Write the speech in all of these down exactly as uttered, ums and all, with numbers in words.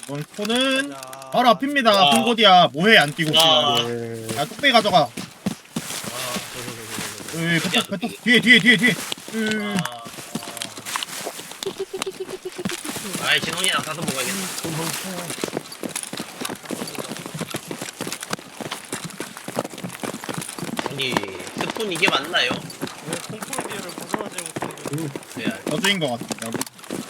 이번 스폰은 가자. 바로 앞입니다. 와. 콩고디야 뭐해 안 뛰고 와. 씨발. 야 뚝배기 가져가. 아, 저, 저, 저, 저, 저, 저. 으이 배터 배터 뒤에 뒤에 뒤에 뒤에. 으. 아, 아. 아이, 진홍이랑 가서 먹어야겠다. 아니, 스푼 이게 맞나요? 왜 콩프로비아를 벗어나지 못해? 네, 저주인 것 같아. 여기.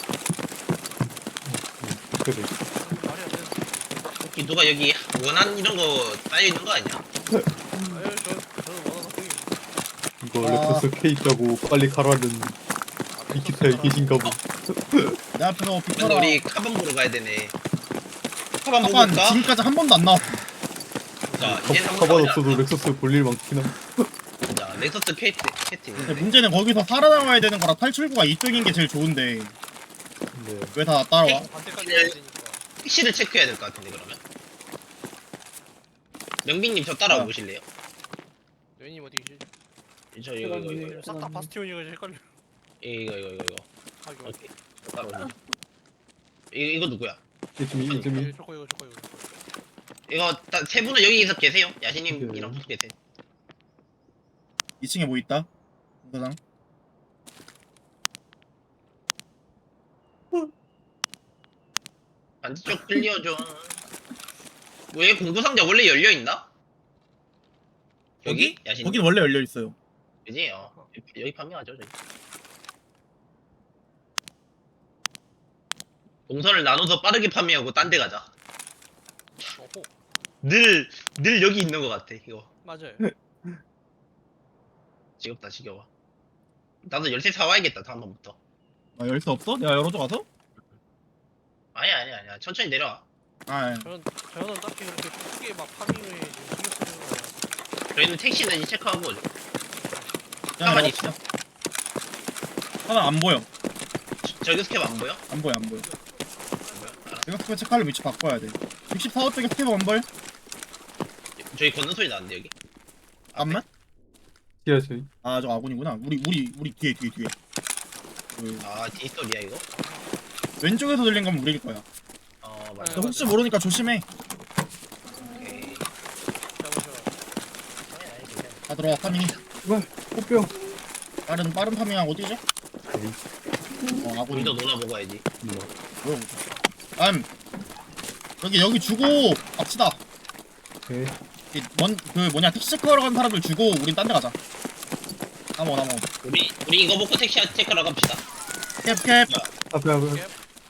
그래. 말이 안 되는. 혹시 누가 여기 원한 이런 거 쌓여있는 거 아니야? 아유 저 저는 원하는 콩이. 이거 아. 렉서스 K 있다고 빨리 가라는 비키타에 계신가 보. 내 앞에서 근데 비켜라. 우리 카반 보러 가야 되네. 카반 보고 카반 올까? 지금까지 한 번도 안 나왔어. 자, 이제 한번 가방 가보자. 없어도 렉서스 볼일 많긴 함. 자, 렉서스 케이트, 케이트 근데 있는데. 문제는 거기서 살아남아야 되는 거라 탈출구가 이쪽인 게 제일 좋은데 네. 왜 다 따라와? 반대까지 가야 되니까. 택시를 체크해야 될 것 같은데, 그러면. 명빈님 저 따라와 아. 보실래요? 여인님 어디 계시지? 저 이거 이거 이거 싹 다 바스티온이가 헷갈려. 이거 이거 이거 이거 아 이거. 오케이 저 따라오세요. 이거 이거 누구야? 이쯤이 이쯤이 이거 저거 이거 저거 이거. 이거 다, 세 분은 여기서 계세요? 야신님이랑 네. 붙어 계세요. 이 층에 뭐 있다? 공사장. 반대쪽 클리어 좀. 왜 공부상자 원래 열려 있나? 여기? 야신. 거긴 원래 열려 있어요. 그지? 어. 여기 판매하죠 저기. 동선을 나눠서 빠르게 판매하고 딴 데 가자. 어호 늘, 늘 여기 있는 것 같아, 이거. 맞아요. 지겹다, 지겨워. 나도 열쇠 사와야겠다, 다음번부터. 아 열쇠 없어? 내가 열어줘 가서? 아니야, 아니야, 아니야. 천천히 내려와. 아 저는 저는 딱히 그렇게 크게 막 파밍을 신경 쓰는 거. 저희는 택시는 이제 체크하고 오죠. 그냥 가만히 열어봅시다. 하나 안 보여. 저- 저기 스캡 안 보여? 안 보여 안 보여. 안 보여? 알아. 내가 스페 체크하려 위치 바꿔야 돼. 육십사 호 쪽에 스케브 안 보여? 저기 걷는 소리 나는데, 여기? 잠깐만. 지하철. 아 저 아군이구나. 우리 우리 우리 뒤에 뒤에 뒤에. 그, 아, 뒷소리야, 이거? 왼쪽에서 들린 건 우리일 거야. 어, 맞아. 근데 혹시 모르니까 조심해. 오케이. 잡으셔. 아니, 아니, 괜찮아. 다 들어와 파밍. 와, 꽃병. 빠른 빠른 파밍한 어디지? 어 아군이. 우리도 놀아 먹어야지. 뭐야? 음 여기 여기 주고 갑시다. 네. 뭔그 뭐냐 택시 체크하러 간 사람들 주고 우린 딴 데 가자. 나머 나머. 우리, 우리 이거 먹고 택시 체크하러 갑시다. 캡캡. 앞에 앞에.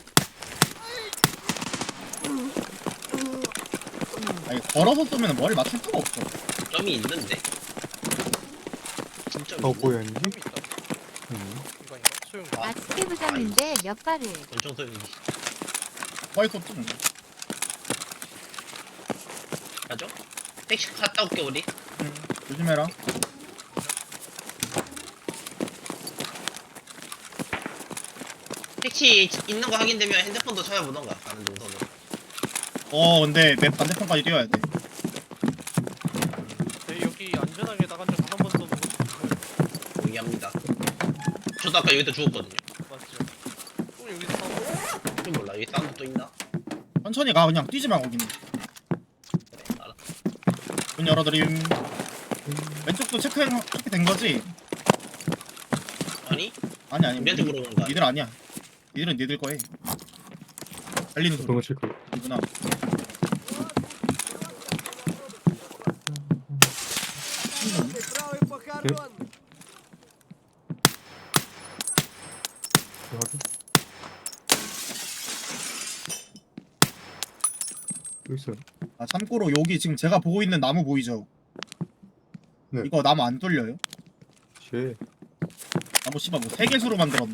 아니 걸어서 쏘면 머리 맞출 수가 없어. 점이 있는데? 진짜 어 뭐야 아니지? 좀 있다. 음. 이거 아닌가? 소용. 아. 아 스케브장인데 몇 발을 엄청 소용이. 와이스 없지. 가죠? 택시 갔다 올게, 우리. 응. 조심해라. 택시 있는 거 확인되면 핸드폰도 찾아보던가, 가는 동선으로. 어 근데 맵 반대편까지 뛰어야 돼. 저희 여기 안전하게 나간 적 한 번도 못 봤어요. 동의합니다. 저도 아까 여기다 죽었거든요. 맞죠? 또 여기서 싸워. 좀 몰라, 여기 사운드 또 있나? 천천히 가 그냥 뛰지 마 거기는. 그래, 알아. 문 열어드림. 왼쪽도 체크 체크된 거지? 아니? 아니 아니. 우리한테 물어보는 거 아니야? 니들 아니야. 니들은 니들 거에. 달리는 병원 소리. 체크. 이구나. 확인. 여기 있어요. 아 참고로 여기 지금 제가 보고 있는 나무 보이죠? 네. 이거 나무 안 뚫려요? 쉐. 나무 씨발 뭐 세 개수로 만들었네.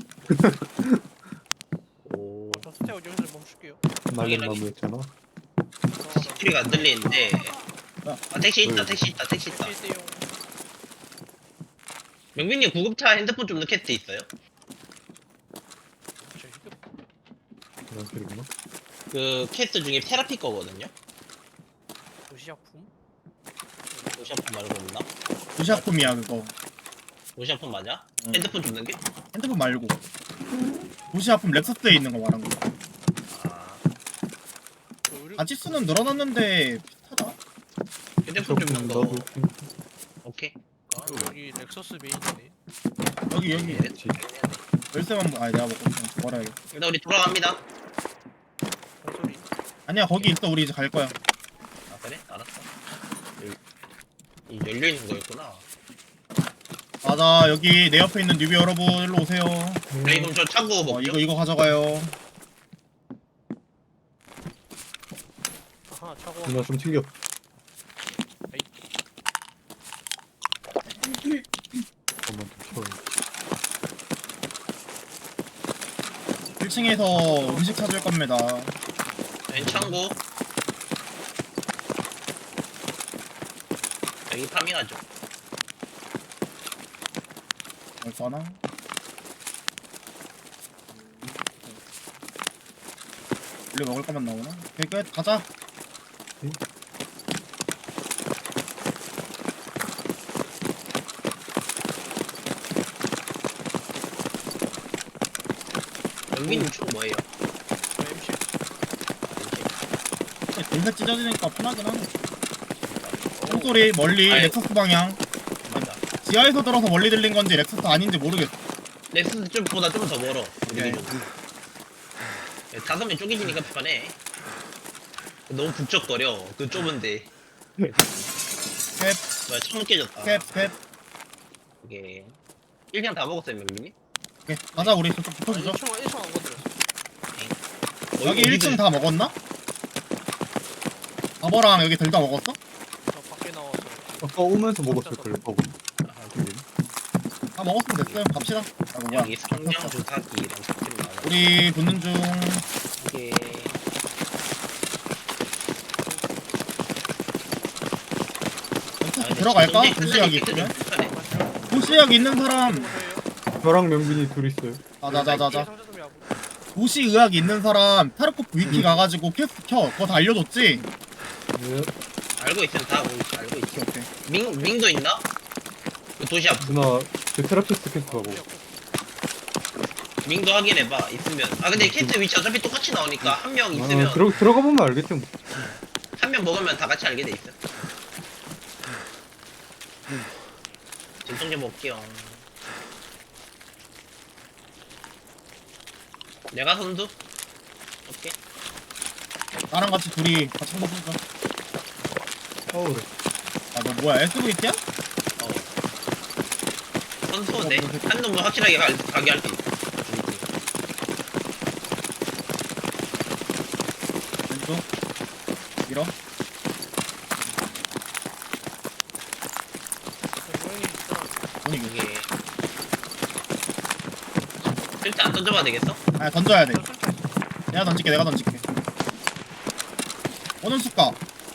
오. 저 스테어 여기서 멈출게요. 날린 나무였잖아. 시티가 안 들리는데. 아, 택시 있다, 응. 택시 있다, 택시 있다. 일대용. 명빈님 구급차 핸드폰 좀 넣게 돼 있어요? 저 휴대폰. 그런 소리구나. 그 캐스 중에 테라피 거거든요? 도시약품? 도시아폰 말고 없나? 도시아품이야 그거. 도시아폰 맞아? 응. 핸드폰 좀 넣게? 핸드폰 말고. 도시아품 렉서스에 있는 거 말한 거. 아. 우리 바지 수는 늘어났는데 비슷하다. 휴대폰 좀 조금 넣어. 나도 오케이. 아, 여기 렉서스 메인이네. 여기 여기 그렇지. 열쇠만 보- 아니 내가 먹고 있어. 뭐라 이거. 일단 우리 돌아갑니다. 발소리. 아니야 거기 있어. 우리 이제 갈 거야. 아 그래? 알았어. 여기- 이 열려 있는 거였구나. 맞아 여기 내 옆에 있는 뉴비 여러분 일로 오세요. 저희 그럼 저 차고 어, 먹죠. 이거 이거 가져가요. 아하, 차고. 누나 좀 튕겨. 잠깐만 좀 쳐요. 일 층에서 음식 찾을 겁니다. 왼 창고. 여기 파밍하죠. 벌써 하나? 원래 먹을 거만 나오나? 오케이 끝 가자. 여기는 총 뭐예요? 저 엠씨. 돌배 찢어지니까 편하긴 하네. 총소리 멀리 아이. 렉서스 방향. 맞아. 지하에서 들어서 멀리 들린 건지 렉서스 아닌지 모르겠어. 렉스 쪽보다 좀 더 멀어. 우리 오케이. 기준. 예, 다섯 명 쪼개지니까 편해. 너무 북적거려. 그 좁은데. 캡, 뭐야, 창문 깨졌다. 캡, 캡. 이게 일 경 다 먹었어요, 명민이? 오케이 가자 우리 저쪽 아, 붙어주죠. 일 층 일 층 안 건드렸어. 여기 일 층 다 먹었나? 바버랑 여기 둘 다 먹었어? 저 밖에 나와서. 아까 오면서 먹었을 걸. 어, 다 먹었으면 됐어요. 갑시다. 아 뭐야? 여기 성냥 주사기랑 스킬 나와. 우리 붙는 중. 이게 렉서스 들어갈까? 도시약 있으면? 도시약 있는 사람. 저랑 명빈이 둘 있어요. 자자자자자. 상자 좀 야구. 도시 의학 있는 사람 타르코프 위키 음. 가가지고 퀘스트 켜. 그거 다 알려줬지? 네. 알고 있으면 다 알고 있- 알고 있어. 오케이 오케이. 밍 밍도 있나? 그 도시 앞 누나 그 테라피스트 캐스트하고. 밍도 확인해봐. 있으면. 아 근데 캐스트 위치 어차피 똑같이 나오니까 한 명 있으면 아, 들어 들어가 보면 알겠지 뭐. 한 명 먹으면 다 같이 알게 돼 있어. 진통 좀 먹게요. 내가 선두? 오케이. 나랑 같이 둘이 같이 한번 해보자. 어 그래. 아너 뭐야 에스브이티야? 어. 선수인데 한 놈은 확실하게 가, 가게 할 수 있어. 왼쪽 밀어. 고양이 있잖아. 오니 이거. 이게 실제 안 던져봐도 되겠어? 아 던져야 돼. 저 설정 있어. 내가 던질게 내가 던질게. 어느 숫가?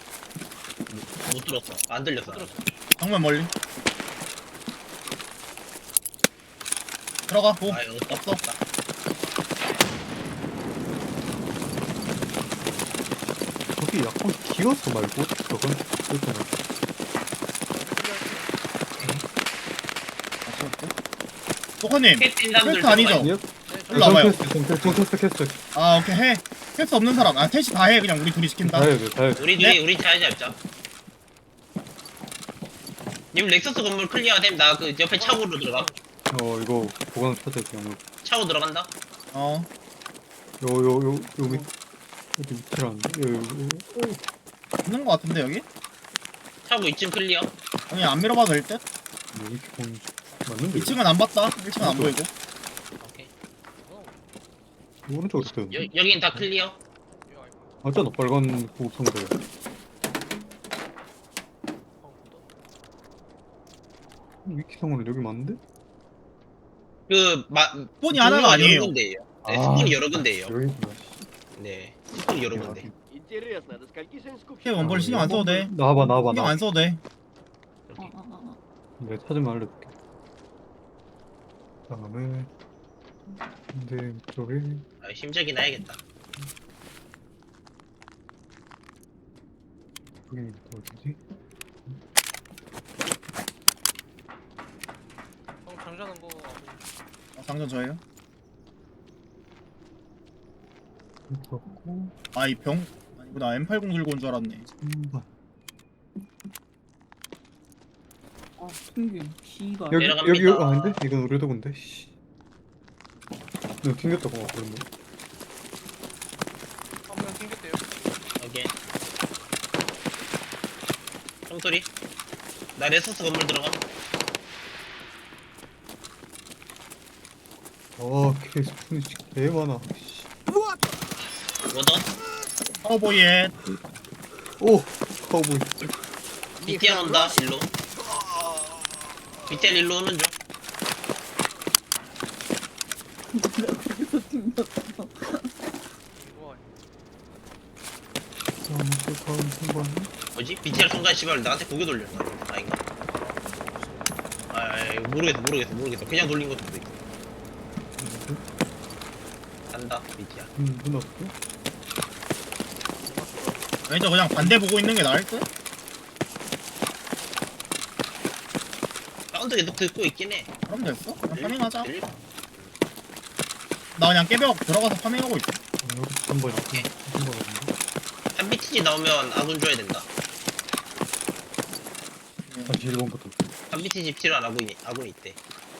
못 들었어. 안 들렸어. 들었어. 정면 멀리. 들어가 고. 아 이거 없어. 없다. 저기 약간 기어서 말고 저건 그렇잖아. 소커님 캐스팅 사람들 퀘스트 아니죠? 아니요? 일로 와봐요. 정 캐스트 캐스트. 아 오케이 해. 퀘스트 없는 사람. 아 셋이 다 해. 그냥 우리 둘이 시킨다. 다 해야 돼, 다 해야 돼. 우리 네? 둘이 우리 잘 잡자. 님 렉서스 건물 클리어됨. 나 그 옆에 차고로 들어가. 어 이거 보관 찾아야 돼. 아무. 차고 들어간다. 어. 요요요 여기 여기 위치라는데. 요, 요, 요. 있는 거 같은데 여기? 차고 이쯤 클리어. 아니 안 밀어봐도 될 듯? 뭐 이렇게 보면 맞는데. 이 층은 안 봤다. 일 층은 안 보이고. 오케이. 오른쪽으로 뜨는데. 여, 여긴 다 클리어. 이거 아이고. 맞잖아 빨간 고급성대. 위키성은 여기 맞는데? 그 마, 폰이 하나가 아니에요. 여러 군데예요. 네, 아. 스폰이 여러 군데예요. 여기구나. 네, 스폰이 여러 군데. Интересно, до скольки сын 오케이 원벌 신경 안 써도 돼. 나와봐 나와봐 신경 나. 안 써도 돼. 이렇게. 내가 찾으면 알려줄게. 다음에 근데 이쪽에 아, 심적이 나야겠다. 여기 또 어디지? 형 장전한 거. 아, 상전 저예요. 그렇고 아 이 병. 아니 나 엠 팔십 들고 온 줄 알았네. 한번. 아, 튕김. 기가. 여기 내려갑니다. 여기 여기 아닌데? 이건 우리도 근데. 씨. 너 튕겼다고 어, 그런데. 한명 튕겼대요. 오케이. 총소리. 나 레서스 건물 들어가. 아 케이스푼이 진짜 개 많아. 씨. 워던. 카우보이의 오 카우보이. 비티안 온다. 일로. 비티안 일로 오는 중. 여기서 튕겼어. 이거 아무튼 다음 순간. 뭐지? 비티안 순간 씨발 나한테 고개 돌렸나? 아닌가? 아, 아 모르겠어 모르겠어 모르겠어. 그냥 돌린 것도 있어. 간다 비티안. 음 눈 앞에. 왠지 그냥 반대 보고 있는 게 나을 듯? 사운드 계속 듣고 있긴 해. 그럼 됐어? 그냥 파밍하자. 들리- 나 그냥 깨벽 들어가서 파밍하고 있어. 아, 여기 한번 오케이. 한번 없는데. 한 비티지 나오면 아군 줘야 된다. 다시 일 번부터. 한 비티지 필요한 아군이 아군이 있대.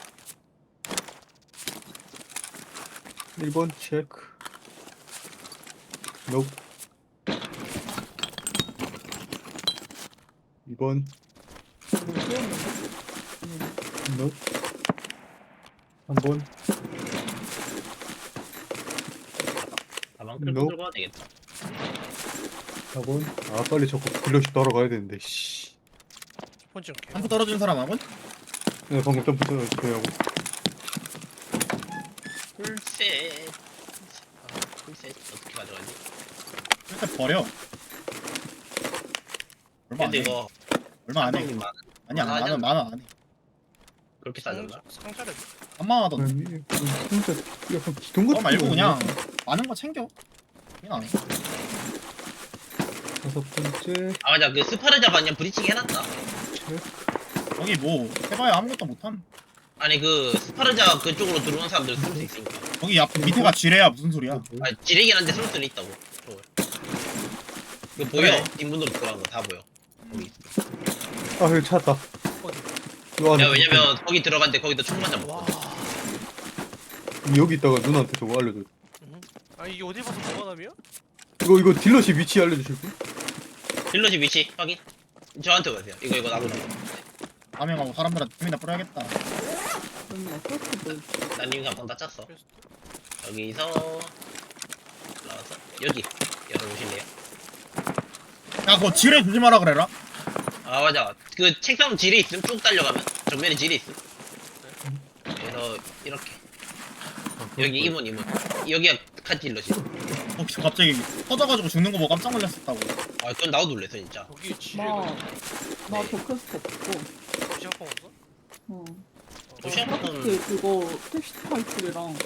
일 번 체크. 노. 이 번 노. 삼 번 가방 끌고 No. 들고 가야 되겠다. 사 번. 아 빨리 저거 빌려시 따라가야 되는데. 씨. 첫 번째 게. 점프 떨어진 사람 하군? 네 방금 점프 저하고. 풀셋. 아, 풀셋 어떻게 가져가지? 일단 버려. 얼마 안 근데 해. 이거 얼마 안 해. 상당히 많- 아니야, 많아 만원, 만원 안 해. 그렇게 싸졌나? 상자를 삼만 원 하던데. 아니 진짜 약간 기둥 같은 그거 말고 거 그냥 있네. 많은 거 챙겨. 그냥 안 해. 다섯 번째 아 맞아 그 스파르자 반년 브리칭 해놨다. 체크. 거기 뭐 해봐야 아무것도 못함. 아니 그 스파르자 그쪽으로 들어온 사람들 쓸 수 있으니까. 거기 앞 밑에가 지뢰야 무슨 소리야? 아 지뢰긴 한데 쓸 수는 있다고. 저거. 이거 보여? 그래. 뒷문으로 들어간 거 다 보여. 거기 있어. 아 여기 찾았다. 어디? 요 안에 야 왜냐면 거기 들어갔는데 거기다 총 맞아 와. 먹거든. 여기 있다가 누나한테 저거 알려줘. 음. 아 이게 어디 봐서 보관함이야? 이거 이거 딜러시 위치 알려주실 분? 딜러지 위치 확인. 저한테 가세요. 이거 이거 나고 줘. 파밍하고 사람들한테 힘이나 뿌려야겠다. 맨날 패스트 난 이미 감방 다 짰어. 그래서 여기서 나와서 여기 열어보실래요? 야, 그거 지뢰 조심하라 그래라. 아 맞아. 그 책상 지뢰 있음 쭉 달려가면 정면에 지뢰 있음. 그래서 이렇게 여기 이문 이문 여기가 칸딜러지. 혹시 갑자기 터져가지고 죽는 거 보고 깜짝 놀랐었다고. 아 그건 나도 놀랬어 진짜. 여기 지뢰가 나나 네. 저 퀘스트 없어. 시작방 없어? 어. 도시락은 퀘스트 그거 텍스트 탈출이랑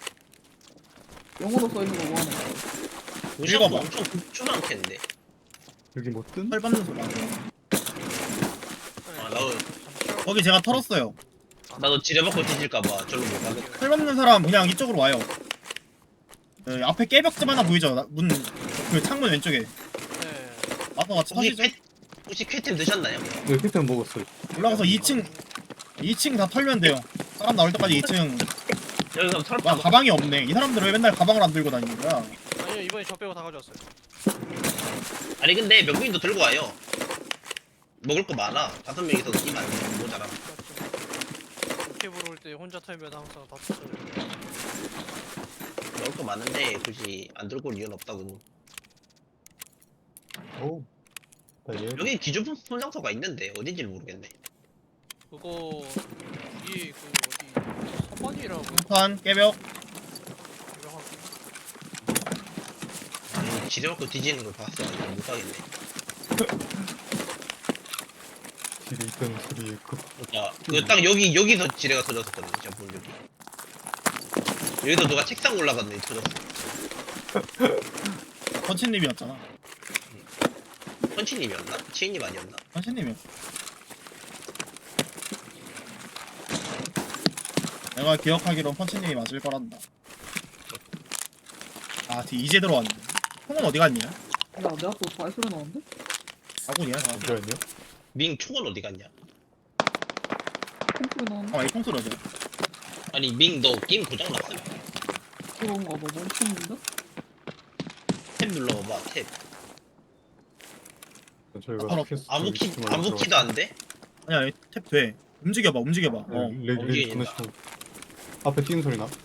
영어로 써 있는 거 뭐 하는 거야? 도시락도 읽어봐. 엄청 급주 많겠는데. 여기 뭐 뜬? 털 받는 소리. 아 나도 거기 제가 털었어요. 나도 지뢰 받고 뒤질까봐 절로 못 가겠다. 털 받는 사람 그냥 이쪽으로 와요. 그 앞에 깨벽집 하나 보이죠? 나- 문, 그 창문 왼쪽에. 네. 와서 같이 혹시 터시죠? 쾌 혹시 쾌템 드셨나요? 네 피트는 먹었어요. 올라가서 이 층, 이 층 다 털면 돼요. 사람 나올 때까지 이 층. 여기 그럼 털 와, 봐. 가방이 없네. 이 사람들은 왜 맨날 가방을 안 들고 다니는 거야? 아니요 이번에 저 빼고 다 가져왔어요. 아니 근데 명빈도 들고 와요. 먹을 거 많아. 다섯 명이서 끼면 안 돼. 모자라. 맞죠? 캠프로 올 때 혼자 타면 항상 다 tus어요. 먹을 거 많은데 굳이 안 들고 올 이유는 없다고. 오. 나 얘. 여기 기존 손장소가 있는데 어딘지를 모르겠네. 그거 위에 그 어디 서반이라고 판 깨벽. 유명하고 아니 지뢰 먹고 뒤지는 걸 봤어. 못 가겠네. 딜이 있다는 소리에 그 그러니까 그 딱 여기 여기서 지뢰가 터졌었거든요. 제가 본 여기. 여기서 누가 책상 올라갔네 터졌어. 헌치님이었잖아. 헌치님이었나? 치인님 아니었나? 헌치님이었어. 내가 기억하기론 펀치님이 맞을 거란다. 아, 뒤 이제 들어왔네. 형은 어디 갔냐? 야, 내 앞으로 발소리 나는데? 아군이야 다. 잠시만요. 밍 총은 어디 갔냐? 콩소리 나는데? 아, 이 통솔어져. 아니 밍 너 게임 고장났어? 그런가 봐, 멈췄는데? 탭 눌러봐봐 탭. 저희가 바로 스케스 아무 키 시스템을 아무 들어가- 키도 안 돼? 아니야, 탭 돼. 움직여봐, 움직여봐. 어. 네, 레- 레- 움직인다. 레지 시스템. 앞에 뛰는 소리 나?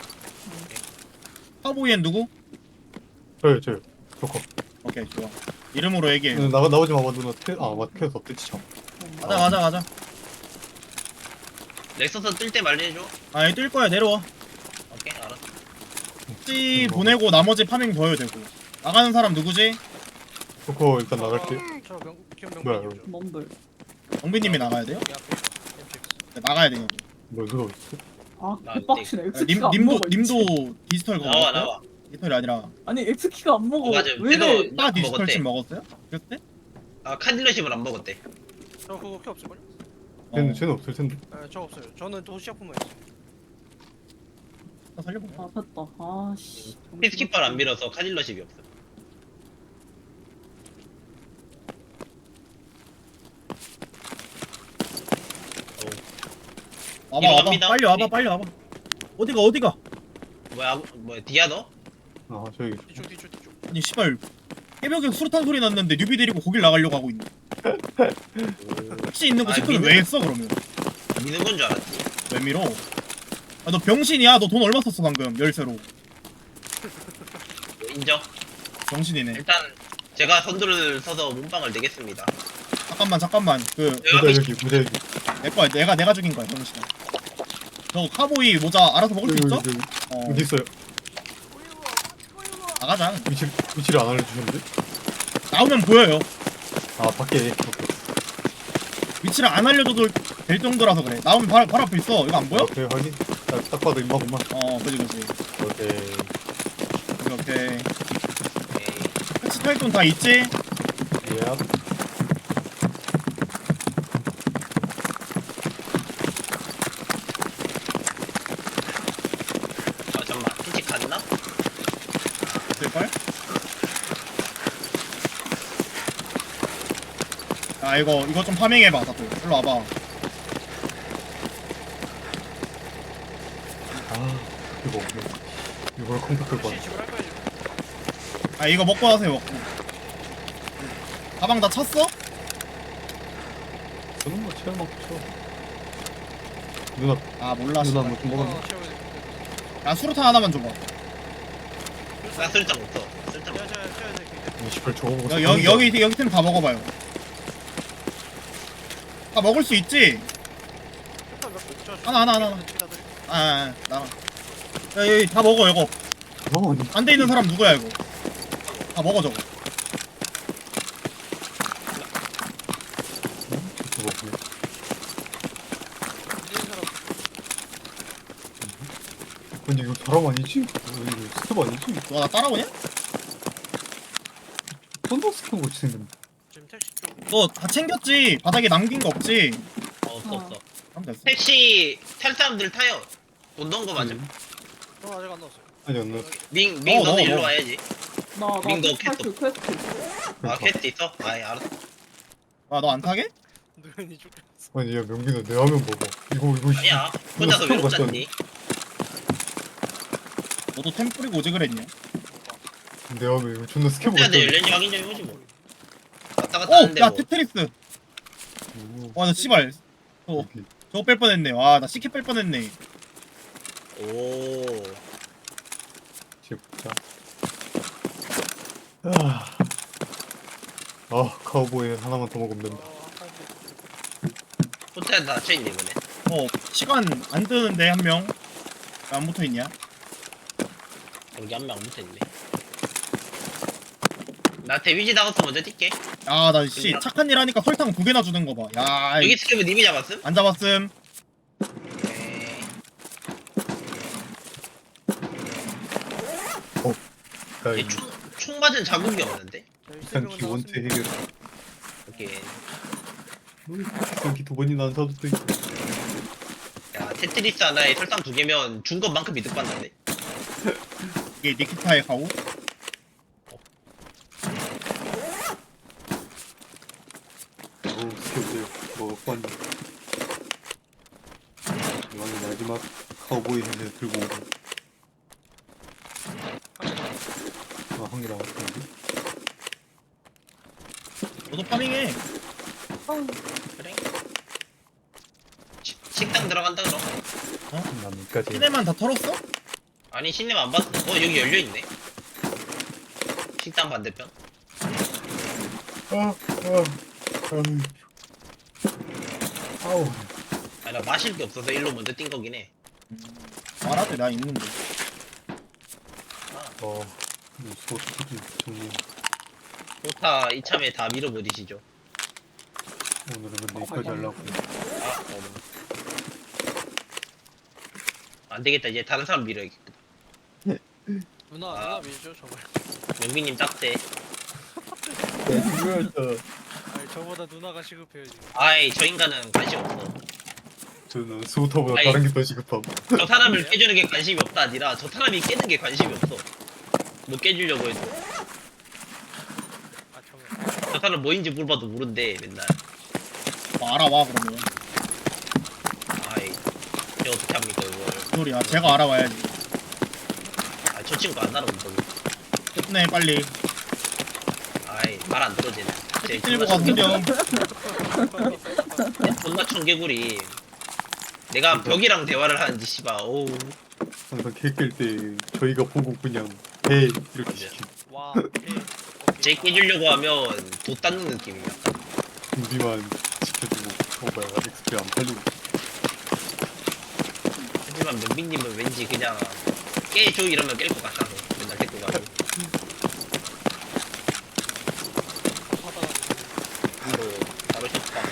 카보이엔 누구? 저요 저요. 저거. 오케이, 좋아. 이름으로 얘기해. 네, 나가 나오지 마봐 누나. 테, 아 맞, 캐스 없댔지 참. 가자, 가자, 가자. 넥서스 뜰 때 말해줘. 아니, 뜰 거야, 내려와. 오케이 알았어. 찌 보내고 나머지 파밍 더 해도 되고. 나가는 사람 누구지? 저거 일단 나갈게. 저 명, 기억 뭐야, 명분이죠. 놈들. 영빈님이 나가야 돼요? 이 앞에 엠식스. 네, 나가야 돼요. 뭐 누가 있어? 아, 나 개빡치네. 님, X키가 안 님도, 먹어. 이 미친. 님도 디지털 그거 나와 먹었어요? 나와. 디지털이 아니라 아니, X키가 안 먹어. 어, 맞아. 왜 걔도 이래? 나 디지털 먹었대. 칩 먹었어요? 그때? 아 카딜러십을 안 먹었대. 저 그거 키 없을걸요? 쟤는 어, 쟤는 없을 텐데. 네, 저 없어요. 저는 또 시작품만 있어요. 나 살려보자. 아, 됐다. 아, 씨. 피스키퍼를 안 밀어서 카딜러십이 없어. 와봐, 이리 와봐. 갑니다. 빨리 와봐, 이리. 빨리 와봐. 어디가, 어디가? 뭐야 뭐야 디아 너? 아 저기 뒤쪽 뒤쪽 뒤쪽. 아니, 씨발. 깨벽에 수류탄 소리 났는데 뉴비 데리고 거길 나가려고 하고 있네. 혹시 있는 거 아, 체크를 믿음- 왜 했어, 그러면? 미는 건 줄 알았지. 왜 밀어? 아, 너 병신이야? 너 돈 얼마 썼어, 방금? 열쇠로. 인정. 병신이네. 일단 제가 선두를 서서 몸빵을 내겠습니다. 잠깐만, 잠깐만. 그, 내가 모자 여기 모자 여기. 내 거야. 내가, 내가 죽인 거야, 병신아. 저 카보이 모자 알아서 먹을 수 여기, 있어? 여기, 여기. 어, 여기 있어요. 나가자. 위치 위치를 안 알려주셨는데? 나오면 보여요. 아 밖에. 오케이. 위치를 안 알려줘도 될 정도라서 그래. 나오면 바로, 바로 앞에 있어. 이거 안 보여? 오케이 확인. 딱, 딱 봐도 임마구만. 어, 그지, 그지. 오케이. 오케이, 오케이. 오케이. 패치 탈돈 다 있지? 예. 아 잠만 피치 갔나? 될걸? 아, 이거, 이거 좀 파밍해봐, 다들. 일로 와봐. 아 이거 없네. 이걸 컴퓨터 끌고 혹시 왔네. 집을 할 거야 지금? 아, 이거 먹고 하세요, 먹고. 가방 다 찼어? 저는 뭐 체험 먹고 쳐. 누나 아, 몰라, 누나 씨발. 뭐 좀 먹었네. 어, 채워야 돼. 야, 수류탄 하나만 줘봐. 나 쓸장 없어. 쓸장 제가 없어. 제가 채워야 돼. 그게. 이십팔 저거 먹었어. 여, 여기, 여기, 여기 템 다 먹어봐요. 다 먹을 수 있지? 일단 몇 개. 저, 저, 하나, 하나, 하나, 하나. 여기다 드릴게요. 아, 아, 아, 나랑. 야, 여기 다 먹어, 이거. 어, 아니. 안 돼 있는 사람 누구야, 이거? 다 먹어, 저거. 저거 없네. 있는 사람 근데 이거 사람 아니지? 이거 스텝 아니지? 너가 나 따라오냐? 썬더 스텝 같이 생겼네. 지금 택시 쪽. 너 다 챙겼지? 바닥에 남긴 거 없지? 어, 없어 없어. 그럼 됐어. 택시 탈 사람들 타요. 돈 넣은 거 맞아. 음. 저 아직 안 넣었어요. 아니 안 나왔어. 밍, 밍 넣어, 너는 넣어, 일로 넣어. 와야지. 나, 나 링거 퀘스트, 퀘스트. 아 그러니까. 퀘스트 있어? 아예 알았어. 아, 너 안 타게? 누군이 쪽. 아니 야 명빈아 내 화면 봐봐. 이거 이거 아니야. 혼자서 스톱 외롭지 같잖아. 않니? 너도 템 뿌리고 오지 그랬냐? 내 화면 이거 존나 스캡 혼자들 같잖아. 열린지 확인 좀 해보지 뭐. 왔다 갔다 어! 하는데 야, 뭐. 테트리스! 오, 와, 나 씨발. 어, 여기. 저거 뺄 뻔했네. 와, 나 시켓 뺄 뻔했네. 오. 뒤에 붙자. 아, 아 카우보이 하나만 더 먹으면 된다. 어, 한 호텔 닫혀있네 이번에. 어, 시간 안 뜨는데, 한 명. 왜 안 붙어 있냐? 여기 한 명 안 붙어있네. 나 데미지 나가서 먼저 뛸게. 아, 나 씨, 착한 일 하니까 설탕 두 개나 주는 거 봐. 야, 여기 이- 스캡은 님이 잡았음? 안 잡았음. 오케이. 야, 얘 이 총, 총 맞은 자국이 없는데? 일단 기원체 해결. 오케이. 여기 두 번이나 안 사도 돼. 야 테트리스 하나에 설탕 두 개면 준 것만큼 이득 받는데? 이게 니키타의 가오? 스케줄 먹었고 왔네. 이왕이 마지막 카우보이 헬멧 들고 오고. 아, 한개 남았는데. 너도 파밍해. 그래. 시, 식당 들어간다 그럼. 남까지. 시내만 다 털었어? 아니 신님 안 봤어. 어 여기 열려 있네. 식당 반대편. 아, 아, 아, 아우. 아니 나 마실 게 없어서 일로 먼저 뛴 거긴 해. 말하대 나 있는데. 어, 소스기 정리. 좋다 이참에 다 밀어버리시죠. 오늘은 근데 이까지 하려고. 아 어. 안 되겠다 이제 다른 사람 밀어야겠다. 누나 아. 누나 밀죠 정말. 영빈님 딱대. 아니 저보다 누나가 시급해요 지금. 아이 저 인간은 관심 없어. 저는 소타보다 아이. 다른 게 더 시급함. 저 사람을 깨주는 게 관심이 없다 아니라 저 사람이 깨는 게 관심이 없어. 뭐 깨주려고 해도 아 정말. 저 사람 뭐인지 물어봐도 모른대 맨날. 뭐 알아와 그러면. 아이 저 어떻게 합니까 이걸. 무슨 소리야. 제가 알아와야지. 아 저 친구 안 알아본다고. 끝내 빨리. 아이 말 안 들어지네. 쟤 들고 존나 가 훈련. 존나 청개구리. 내가 벽이랑 대화를 하는지 씨발 오우. 항상 개깰 때 저희가 보고 그냥 배 이렇게 맞아요. 시키고 와. 오케이. 쟤 깨주려고 하면 도 닦는 느낌이야. 준비만 지켜주고 어 뭐야 엑스피 안 팔리고. 하지만 명빈님은 왠지 그냥 깨줘 이러면 깰 것 같아서 맨날 데리고 가고. 하다가 바로 바로 셨다.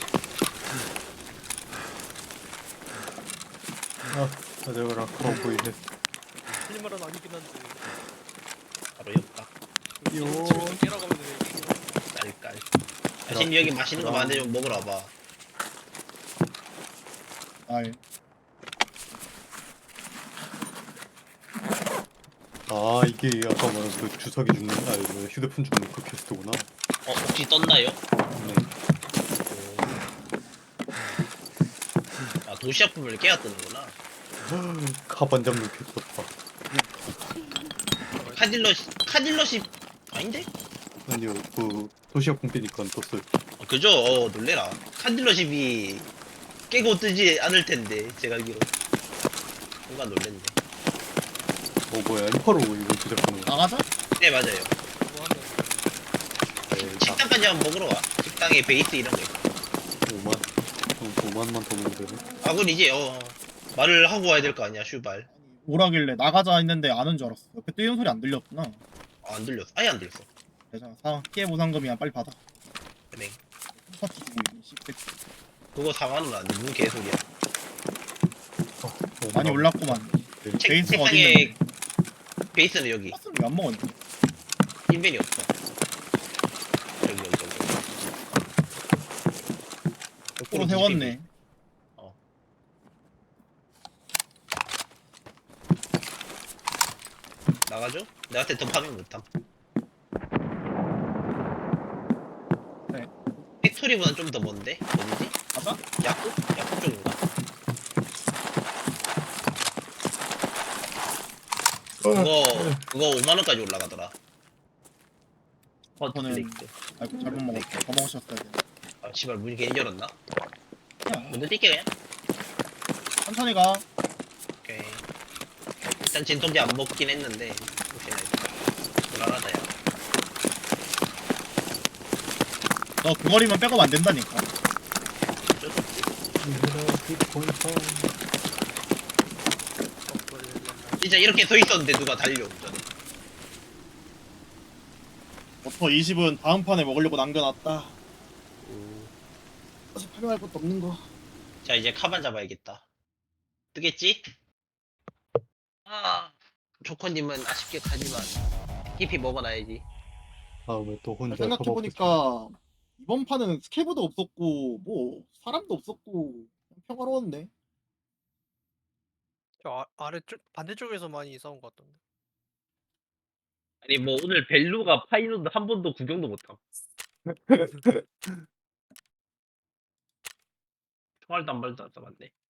아, 가져가라 카우보이 헬. 틀린 말은 아니긴 한데. 바로 였다. 요. 집에서 깨라고 하면 되네. 깔깔. 아신 여기 맛있는 거 많은데 좀 먹으러 와봐. 아이. 아 이게 아까 말한 그 주사기 죽는 아 이거 휴대폰 죽는 그 퀘스트구나. 어 혹시 떴나요? 네. 아 도시락품을 깨야 뜨는구나. 카반 잡는 퀘스트다. 카딜러시 카딜러시 아닌데? 아니요 그 도시락 pom빼니까 떴어요. 어, 그죠? 어 놀래라. 카딜러십이 깨고 뜨지 않을 텐데 제가 알기로. 뭔가 놀랬네. 어 뭐야 인파로 이거 제작하는 거. 나가자. 네 맞아요. 그거 하면 네, 나 식당까지 한번 먹으러 와. 식당에 베이스 이런 거 있고. 오만 어, 오만만 더 먹으면 되네. 아 그건 이제 어 말을 하고 와야 될 거 아니야 슈발. 오라길래 나가자 했는데 아는 줄 알았어. 옆에 뛰는 소리 안 들렸구나. 아, 안 들렸어. 아예 안 들렸어. 그래서 사 피해 보상금이야 빨리 받아. 그래. 파티 주고 있는 씹새끼. 그거 사만 원 안 돼. 무슨 개소리야. 어, 많이 올랐구만. 책, 베이스가 어디 책상에 있는데? 베이스는 여기. 파스는 왜안 먹었니? 인벤이 없어. 여기 여기 여기. 거꾸로 세웠네. 나가죠? 내한테 더 파밍 못함. 네. 팩토리보단 좀 더 먼데? 어디지? 가자. 야쿠? 야쿠 쪽인가? 그거 그거 오만 원까지 올라가더라. 어, 저는- 플레이크. 아이고 잘못 먹었어. 더 먹으셨어야 돼. 아, 씨발 문이 괜히 열었나? 야, 먼저 뛸게 그냥. 천천히 가. 오케이. 일단 진통제 안 먹긴 했는데 혹시나 해서. 불안하다 야. 너 그 거리만 백업 안 된다니까. 어쩔 수 없지. 진짜 이렇게 서 있었는데 누가 달려 운전해. 버터 이십은 다음 판에 먹으려고 남겨놨다. 사실 팔려할 것도 없는 거. 자 이제 카반 잡아야겠다. 뜨겠지? 아 조커님은 아쉽게 가지만 히피 먹어놔야지. 다음에 또 혼자 생각해보니까 이번 판은 스케브도 없었고 뭐 사람도 없었고 그냥 평화로웠네. 저 아, 아래쪽 반대쪽에서 많이 싸운 것 같던데. 아니 뭐 오늘 벨루가 파이노드 한 번도 구경도 못함. 총알도 한 발도 안 쏴봤네.